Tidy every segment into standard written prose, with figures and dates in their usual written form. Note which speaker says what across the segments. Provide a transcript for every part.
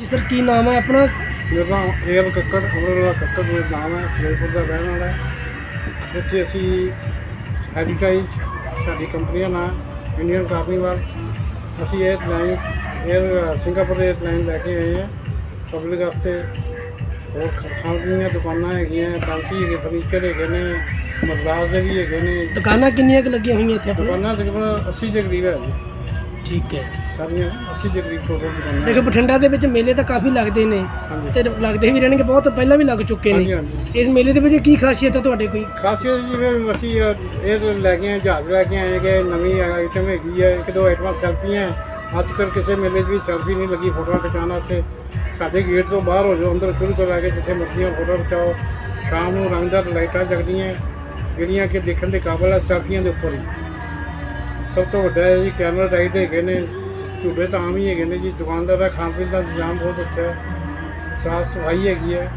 Speaker 1: जी sir की नाम है अपना?
Speaker 2: ਮੇਰਾ ਨਾਮ ਏਅਰ ਕੱਕੜ, ਅਮਰਵਾਲਾ ਕੱਕੜ ਮੇਰਾ ਨਾਮ ਹੈ, ਫਿਰੋਜ਼ਪੁਰ ਦਾ ਰਹਿਣ ਵਾਲਾ ਹੈ। ਇੱਥੇ ਅਸੀਂ ਹੈਰੀਟੇਜ ਸਾਡੀ ਕੰਪਨੀਆਂ ਨਾਲ ਇੰਡੀਅਨ ਕਾਰਨੀਵਲ ਅਸੀਂ ਏਅਰ ਸਿੰਗਾਪੁਰ ਏਅਰਲਾਈਨ ਲੈ ਕੇ ਆਏ ਹਾਂ ਪਬਲਿਕ ਵਾਸਤੇ। ਹੋਰ ਖਾਣ ਪੀਣ ਦੀਆਂ ਦੁਕਾਨਾਂ ਹੈਗੀਆਂ, ਫੈਂਸੀ ਹੈਗੇ, ਫਰਨੀਚਰ ਹੈਗੇ ਨੇ, ਮਸਰਾਜ ਦੇ ਵੀ ਹੈਗੇ ਨੇ।
Speaker 1: ਦੁਕਾਨਾਂ ਕਿੰਨੀਆਂ ਕੁ ਲੱਗੀਆਂ ਹੋਈਆਂ ਇੱਥੇ ਆਪਣੇ?
Speaker 2: ਦੁਕਾਨਾਂ ਤਕਰੀਬਨ 80 ਦੇ ਕਰੀਬ ਹੈ ਜੀ।
Speaker 1: ਠੀਕ ਹੈ।
Speaker 2: ਸਾਰੀਆਂ 80 ਦੇ ਕਰੀਬ ਟੋਟਲ ਦੁਕਾਨਾਂ।
Speaker 1: ਦੇਖੋ ਬਠਿੰਡਾ ਦੇ ਵਿੱਚ ਮੇਲੇ ਤਾਂ ਕਾਫੀ ਲੱਗਦੇ ਨੇ
Speaker 2: ਹਾਂਜੀ
Speaker 1: ਤੇ ਲੱਗਦੇ ਵੀ ਰਹਿਣਗੇ, ਬਹੁਤ ਪਹਿਲਾਂ ਵੀ ਲੱਗ ਚੁੱਕੇ
Speaker 2: ਹਾਂਜੀ
Speaker 1: ਨੇ।
Speaker 2: ਹਾਂਜੀ।
Speaker 1: ਇਸ ਮੇਲੇ ਦੇ ਵਿੱਚ ਕੀ ਖਾਸੀਅਤ ਹੈ ਤੁਹਾਡੇ ਕੋਈ?
Speaker 2: ਖਾਸੀਅਤ ਜਿਵੇਂ ਅਸੀਂ ਇਹ ਲੈ ਕੇ ਆਏ, ਜਹਾਜ਼ ਲੈ ਕੇ ਆਏ ਕਿ ਨਵੀਂ ਆਈਟਮ ਹੈਗੀ ਹੈ। ਇੱਕ ਦੋ ਆਈਟਮਾਂ ਸੈਲਫੀਆਂ। ਅੱਜ ਕੱਲ੍ਹ ਕਿਸੇ ਮੇਲੇ 'ਚ ਵੀ ਸੈਲਫੀ ਨਹੀਂ ਲੱਗੀ ਫੋਟੋਆਂ ਖਿਚਾਉਣ ਵਾਸਤੇ। ਸਾਡੇ ਗੇਟ ਤੋਂ ਬਾਹਰ ਹੋ ਜਾਓ, ਅੰਦਰ ਸ਼ੁਰੂ ਤੋਂ ਲੈ ਕੇ ਜਿੱਥੇ ਮਰਜ਼ੀਆਂ ਫੋਟੋ ਖਿਚਾਓ। ਸ਼ਾਮ ਨੂੰ ਰੰਗਦਾਰ ਲਾਈਟਾਂ ਜਗਦੀਆਂ ਜਿਹੜੀਆਂ ਕਿ ਦੇਖਣ ਦੇ ਕਾਬਲ ਹੈ ਸੈਲਫੀਆਂ ਦੇ ਉੱਪਰ ਹੀ। ਸਭ ਤੋਂ ਵੱਡਾ ਹੈ ਜੀ ਕੈਮਰਾ ਰਾਈਡ ਹੈਗੇ ਨੇ, ਝੂਲੇ ਤਾਂ ਆਮ ਹੀ ਹੈਗੇ ਨੇ ਜੀ। ਦੁਕਾਨਦਾਰ ਦਾ ਖਾਣ ਪੀਣ ਦਾ ਇੰਤਜ਼ਾਮ ਬਹੁਤ ਅੱਛਾ ਹੈ, ਸਾਫ਼ ਸਫਾਈ ਹੈਗੀ ਹੈ।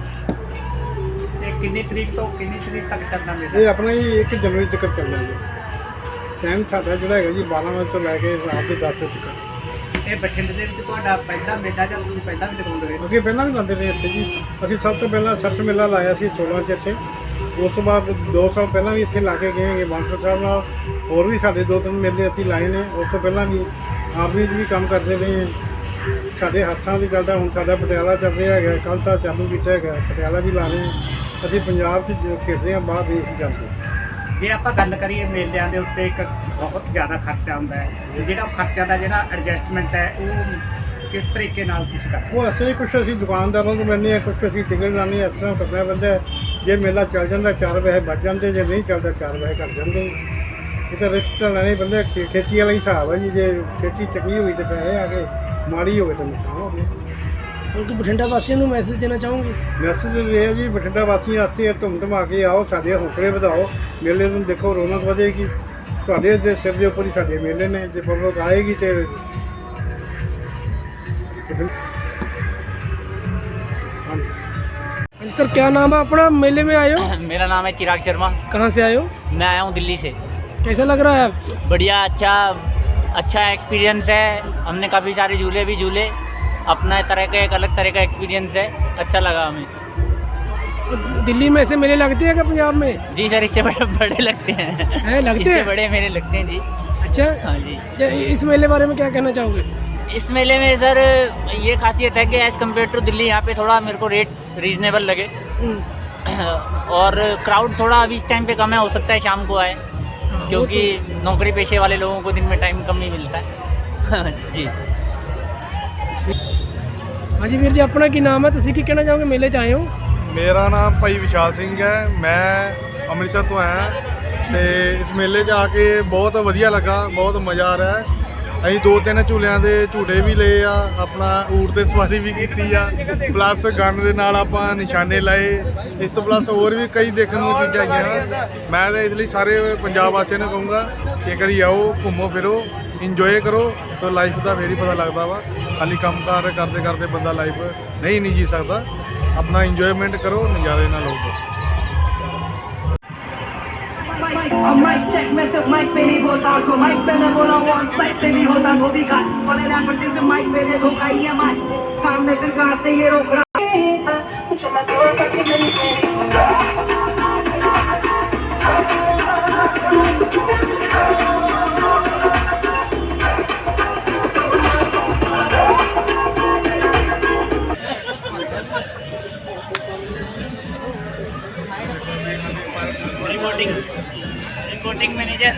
Speaker 3: ਇਹ ਕਿੰਨੀ ਤਰੀਕ ਤੋਂ ਕਿੰਨੀ ਤਰੀਕ ਤੱਕ ਚੱਲਣਾ ਮੇਲਾ?
Speaker 2: ਇਹ ਆਪਣਾ ਹੀ 1 ਜਨਵਰੀ ਤੱਕ ਚੱਲਣਾ ਜੀ। ਟਾਈਮ ਸਾਡਾ ਜਿਹੜਾ ਹੈਗਾ ਜੀ 12 ਵਜੇ ਤੋਂ ਲੈ ਕੇ ਰਾਤ ਦੇ 10 ਵਜੇ ਤੱਕ।
Speaker 3: ਇਹ ਬਠਿੰਡੇ ਦੇ ਵਿੱਚ ਤੁਹਾਡਾ ਪਹਿਲਾ ਮੇਲਾ ਜਾਂ ਤੁਸੀਂ ਪਹਿਲਾਂ ਵੀ ਲਗਾਉਂਦੇ ਰਹੇ?
Speaker 2: ਕਿਉਂਕਿ ਪਹਿਲਾਂ ਵੀ ਲਾਉਂਦੇ ਰਹੇ ਇੱਥੇ ਜੀ। ਅਸੀਂ ਸਭ ਤੋਂ ਪਹਿਲਾਂ ਸਰਚ ਮੇਲਾ ਲਾਇਆ ਸੀ 16 'ਚ ਇੱਥੇ। ਉਸ ਤੋਂ ਬਾਅਦ 2 ਸਾਲ ਪਹਿਲਾਂ ਵੀ ਇੱਥੇ ਲਾ ਕੇ ਗਏ ਹੈਗੇ ਬਾਂਸਲ ਸਾਹਿਬ ਨਾਲ। ਹੋਰ ਵੀ ਸਾਡੇ 2-3 ਮੇਲੇ ਅਸੀਂ ਲਾਏ ਨੇ। ਉਸ ਤੋਂ ਪਹਿਲਾਂ ਵੀ ਆਰਮੀ 'ਚ ਵੀ ਕੰਮ ਕਰਦੇ ਰਹੇ ਹਾਂ। ਸਾਡੇ ਹੱਥਾਂ ਦੀ ਚੱਲਦਾ, ਹੁਣ ਸਾਡਾ ਪਟਿਆਲਾ ਚੱਲ ਰਿਹਾ ਹੈਗਾ, ਕੱਲ੍ਹ ਤਾਂ ਚਾਲੂ ਕੀਤਾ ਹੈਗਾ, ਪਟਿਆਲਾ ਵੀ ਲਾ ਰਹੇ ਹਾਂ। ਅਸੀਂ ਪੰਜਾਬ 'ਚ ਖੇਡਦੇ ਹਾਂ, ਬਾਹਰ ਨਹੀਂ ਅਸੀਂ ਜਾਂਦੇ।
Speaker 3: ਜੇ ਆਪਾਂ ਗੱਲ ਕਰੀਏ ਮੇਲਿਆਂ ਦੇ ਉੱਤੇ ਇੱਕ ਬਹੁਤ ਜ਼ਿਆਦਾ ਖਰਚਾ ਹੁੰਦਾ ਹੈ, ਜਿਹੜਾ ਖਰਚਾ ਦਾ ਜਿਹੜਾ ਐਡਜਸਟਮੈਂਟ ਹੈ ਉਹ ਕਿਸ ਤਰੀਕੇ ਨਾਲ ਤੁਸੀਂ ਕਰਦੇ?
Speaker 2: ਉਹ ਅਸਲੀ ਕੁਛ ਅਸੀਂ ਦੁਕਾਨਦਾਰਾਂ ਤੋਂ ਲੈਂਦੇ ਹਾਂ, ਕੁਛ ਅਸੀਂ ਟਿਕਟ ਲਾਉਂਦੇ ਹਾਂ। ਇਸ ਤਰ੍ਹਾਂ ਕਰਨਾ ਪੈਂਦਾ। ਜੇ ਮੇਲਾ ਚੱਲ ਜਾਂਦਾ 4 ਪੈਸੇ ਬਚ ਜਾਂਦੇ, ਜੇ ਨਹੀਂ ਚੱਲਦਾ 4 ਪੈਸੇ ਘੱਟ ਜਾਂਦੇ। ਇਹ ਤਾਂ ਰਿਸਕ ਤਾਂ ਲੈਣੇ ਪੈਂਦੇ। ਖੇਤੀ ਵਾਲਾ ਹਿਸਾਬ ਹੈ ਜੀ। ਜੇ ਖੇਤੀ ਚੰਗੀ ਹੋਈ ਤਾਂ ਪੈਸੇ ਆ ਗਏ, ਮਾੜੀ ਹੋਵੇ ਤਾਂ ਨੁਕਸਾਨ ਹੋ ਗਿਆ।
Speaker 1: ਹੁਣ ਕਿ ਬਠਿੰਡਾ ਵਾਸੀਆਂ ਨੂੰ ਮੈਸੇਜ ਦੇਣਾ ਚਾਹੋਗੇ?
Speaker 2: ਮੈਸੇਜ ਇਹ ਹੈ ਜੀ ਬਠਿੰਡਾ ਵਾਸੀਆਂ ਵਾਸਤੇ ਧੁੰਮ ਧਮਾ ਕੇ ਆਓ, ਸਾਡੇ ਹੌਸਲੇ ਵਧਾਓ। ਮੇਲੇ ਨੂੰ ਦੇਖੋ, ਰੌਣਕ ਵਧੇਗੀ। ਤੁਹਾਡੇ ਦੇ ਸਿਰ ਦੇ ਉੱਪਰ ਹੀ ਸਾਡੇ ਮੇਲੇ ਨੇ। ਜੇ ਪਬਲਿਕ ਆਏਗੀ ਤੇ
Speaker 1: सर क्या नाम है अपना? मेले में आए हो?
Speaker 4: मेरा नाम है चिराग शर्मा।
Speaker 1: कहाँ से आए हो?
Speaker 4: मैं आया हूँ दिल्ली से।
Speaker 1: कैसा लग रहा है आपको?
Speaker 4: बढ़िया, अच्छा एक्सपीरियंस है। हमने काफ़ी सारे झूले भी झूले, अपना तरह का एक अलग तरह का एक्सपीरियंस है, अच्छा लगा हमें।
Speaker 1: दिल्ली में ऐसे मेले लगते हैं क्या पंजाब में?
Speaker 4: जी सर, इससे बड़े लगते हैं।
Speaker 1: लगते
Speaker 4: इससे
Speaker 1: हैं?
Speaker 4: बड़े मेले लगते हैं जी।
Speaker 1: अच्छा।
Speaker 4: हाँ जी।
Speaker 1: इस मेले बारे में क्या कहना चाहोगे?
Speaker 4: इस मेले में सर ये खासियत है कि एज़ कम्पेयर टू दिल्ली यहाँ पे थोड़ा मेरे को रेट रीज़नेबल लगे और क्राउड थोड़ा अभी इस टाइम पे कम है। हो सकता है शाम को आए, क्योंकि नौकरी पेशे वाले लोगों को दिन में टाइम कम ही मिलता है। जी
Speaker 1: हाँ जी वीर जी, अपना की नाम है? तुसी की कहना चाहोगे मेले च आए हो?
Speaker 5: ਮੇਰਾ ਨਾਮ ਭਾਈ ਵਿਸ਼ਾਲ ਸਿੰਘ ਹੈ। ਮੈਂ ਅੰਮ੍ਰਿਤਸਰ ਤੋਂ ਆਇਆ ਤੇ ਇਸ ਮੇਲੇ 'ਚ ਆ ਕੇ ਬਹੁਤ ਵਧੀਆ ਲੱਗਾ, ਬਹੁਤ ਮਜ਼ਾ ਆ ਰਿਹਾ ਹੈ। ਅਸੀਂ 2-3 ਝੂਲਿਆਂ ਦੇ ਝੂਟੇ ਵੀ ਲਏ ਆ, ਆਪਣਾ ਊਠ 'ਤੇ ਸਵਾਰੀ ਵੀ ਕੀਤੀ ਆ, ਪਲੱਸ ਗਨ ਦੇ ਨਾਲ ਆਪਾਂ ਨਿਸ਼ਾਨੇ ਲਾਏ। ਇਸ ਤੋਂ ਪਲੱਸ ਹੋਰ ਵੀ ਕਈ ਦੇਖਣ ਨੂੰ ਚੀਜ਼ਾਂ ਆਈਆਂ। ਮੈਂ ਤਾਂ ਇਸ ਲਈ ਸਾਰੇ ਪੰਜਾਬ ਵਾਸੀਆਂ ਨੂੰ ਕਹੂੰਗਾ ਕਿ ਇੱਕ ਵਾਰੀ ਆਓ, ਘੁੰਮੋ ਫਿਰੋ, ਇੰਜੋਏ ਕਰੋ। ਤਾਂ ਲਾਈਫ ਦਾ ਫੇਰ ਹੀ ਪਤਾ ਲੱਗਦਾ ਵਾ। ਖਾਲੀ ਕੰਮ ਕਾਰ ਕਰਦੇ ਕਰਦੇ ਬੰਦਾ ਲਾਈਫ ਨਹੀਂ ਜੀ ਸਕਦਾ। अपना इंजॉयमेंट करो, नज़ारे ना लो बस।
Speaker 6: माइक चेक में सिर्फ माइक पे नहीं बोलता, जो माइक पे मैं बोला वो ऑन साइड पे भी होता। वो भी का बोले ना पर सिर्फ माइक पे दे धोखा ही है। माइक सामने से कहां से ये रोक रहा
Speaker 4: रिपोर्टिंग मैनेजर।